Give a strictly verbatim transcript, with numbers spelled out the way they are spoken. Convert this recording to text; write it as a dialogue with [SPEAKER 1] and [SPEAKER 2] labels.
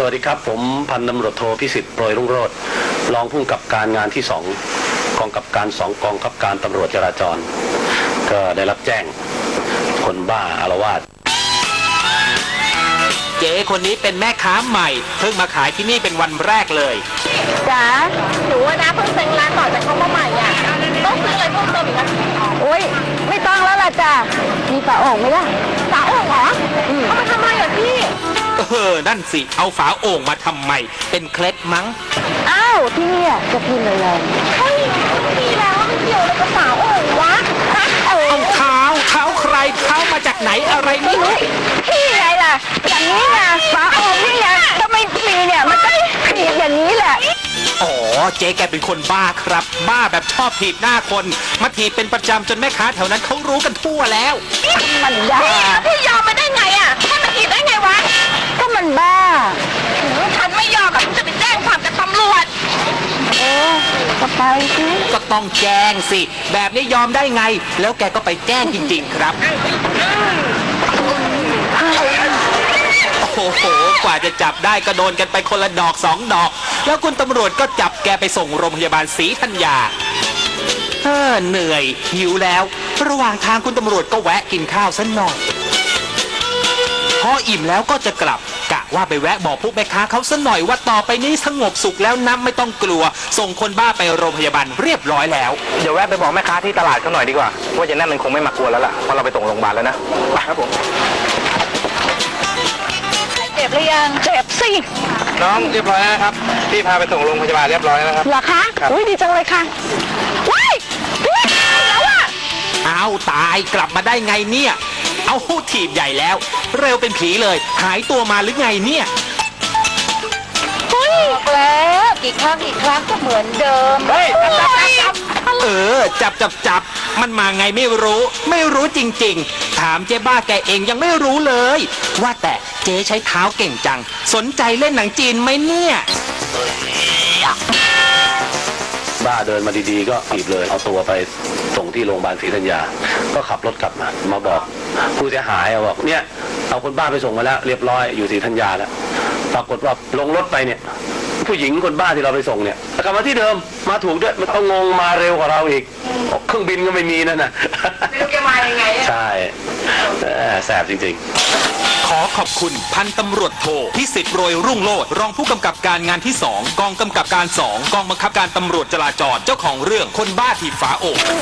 [SPEAKER 1] สวัสดีครับผมพันตำรวจโทพิสิทธิ์โปรยรุ่งโรจน์รองผู้กำกับการงานที่สองกองกำกับการสองกองกำกับการตำรวจจราจรก็ได้รับแจ้งคนบ้าอาละวาด
[SPEAKER 2] เจ๊คนนี้เป็นแม่ค้าใหม่เพิ่งมาขายที่นี่เป็นวันแรกเลย
[SPEAKER 3] จ๋าหนูนะเพิ่งเซ็งร้านต่อจากเขามาใหม่อ่ะต้องซื้ออะไรเพิ่มเติมอีกนะโอ้ยไม่ต้องแล้วล่ะจ้ะมีฝาโอ่งไหมล่ะฝาโอ่งเหรอเอามาทำไมอ่ะพี่
[SPEAKER 2] เออนั่นสิเอาฝาโอ่งมาทำไมเป็นเคล็ดมั้ง
[SPEAKER 3] อ้าวที่นี่จะพิมพ์เลยเฮ้ยมีแล้วมันเกี่ยวอะไรกับฝาโอ่งวะ
[SPEAKER 2] เอาเท้าเท้าใครเท้ามาจากไหนอะไรนี่
[SPEAKER 3] พี่ไงล่ะอย่างนี้ไงฝาโอ่งนี่ไงถ้าไม่มีเนี่ยมันก็ผิดอย่างนี้แหละ
[SPEAKER 2] อ๋อเจ๊แกเป็นคนบ้าครับบ้าแบบชอบถีบหน้าคนมาถีบเป็นประจำจนแม่ค้าแถวนั้นเขารู้กันทั่วแล้ว
[SPEAKER 3] มันบ้าพี่ยอมมาได้ไงอ่ะให้มันถีบได้ไงวะก็มันบ้าฉันไม่ยอมกับจะไปแจ้งความกับตำรวจเออก็ไปสิ
[SPEAKER 2] ก็ต้องแจ้งสิแบบนี้ยอมได้ไงแล้วแกก็ไปแจ้งจริงๆครับโอ้โหกว่าจะจับได้ก็โดนกันไปคนละดอกสองดอกแล้วคุณตำรวจก็จับแกไปส่งโรงพยาบาลศรีธัญญาเฮ้อเหนื่อยหิวแล้วระหว่างทางคุณตำรวจก็แวะกินข้าวสักหน่อยพออิ่มแล้วก็จะกลับกะว่าไปแวะบอกพวกแม่ค้าเขาสักหน่อยว่าต่อไปนี้สงบสุขแล้วน้ำไม่ต้องกลัวส่งคนบ้าไปโรงพยาบาลเรียบร้อยแล้ว
[SPEAKER 4] เดี๋ยวแวะไปบอกแม่ค้าที่ตลาดเขาหน่อยดีกว่าว่าจะนั่นมันคงไม่มากลัวแล้วล่ะเพราะเราไปส่งโรงพยาบาลแล้วนะไปครับผม
[SPEAKER 3] เจ็บหรือยังเจ็บสิ
[SPEAKER 4] น้องเรียบร้อยแล้วครับพี่พาไปส่งโรงพยาบาลเรียบร้อยแล้วครับ
[SPEAKER 3] เหรอคะอุ้ยดีจังเลยค่ะว้ายพี่แล้วอ่ะ
[SPEAKER 2] เอาตายกลับมาได้ไงเนี่ยเอาถีบใหญ่แล้วเร็วเป็นผีเลยหายตัวมาหรือไงเนี่ย
[SPEAKER 3] บอกแล้วกี่ครั้งกี่ครั้งก็เหมือนเดิม
[SPEAKER 2] เฮ้ยจับจับจับเออจับจับจับมันมาไงไม่รู้ไม่รู้จริงๆถามเจ๊บ้าแกเองยังไม่รู้เลยว่าแต่เจ๊ใช้เท้าเก่งจังสนใจเล่นหนังจีนไหมเนี่ย
[SPEAKER 1] บ้าเดินมาดีๆก็ถีบเลยเอาตัวไปส่งที่โรงพยาบาลศรีธัญญาก็ขับรถกลับมามาบอกผู้เสียหายบอกเนี่ยเอาคนบ้าไปส่งมาแล้วเรียบร้อยอยู่ศรีธัญญาแล้วปรากฏว่าลงรถไปเนี่ยผู้หญิงคนบ้าที่เราไปส่งเนี่ยกลับมาที่เดิมมาถูกด้วยมันเอางงมาเร็วกว่าเราอีกเครื่องบินก็ไม่มีนั่นน่ะ
[SPEAKER 3] ไม่รู้แกมายังไง
[SPEAKER 1] ใช่แสบจริง
[SPEAKER 2] ๆขอขอบคุณพันตำรวจโทพิสิทธิ์โรยรุ่งโรจน์รองผู้กำกับการงานที่สองกองกำกับการสองกองบังคับการตำรวจจราจรเจ้าของเรื่องคนบ้าถีบฝาโอ่ง